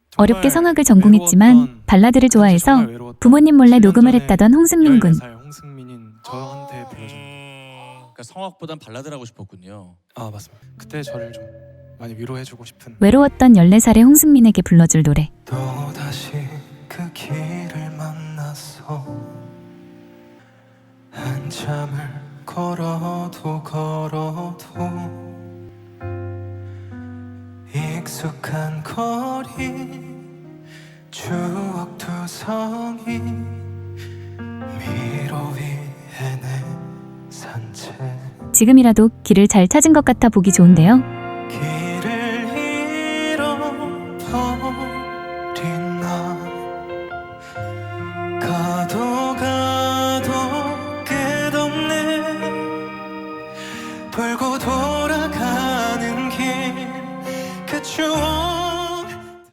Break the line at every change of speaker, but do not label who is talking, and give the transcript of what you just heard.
어렵게 성악을 전공했지만
외로웠던,
발라드를 좋아해서
정말 외로웠던
부모님 몰래 녹음을
7년
했다던 홍승민 군.
14살 홍승민인 저한테 불러줍니다.
그러니까 성악보단 발라드를 하고 싶었군요.
아 맞습니다. 그때 저를 좀 많이 위로해주고 싶은.
외로웠던 14살의 홍승민에게 불러줄 노래.
또다시 그 길을 만났어. 한참을 걸어도 익숙한 거리 추억 투성이 미로 위에 내 산책.
지금이라도 길을 잘 찾은 것 같아 보기 좋은데요.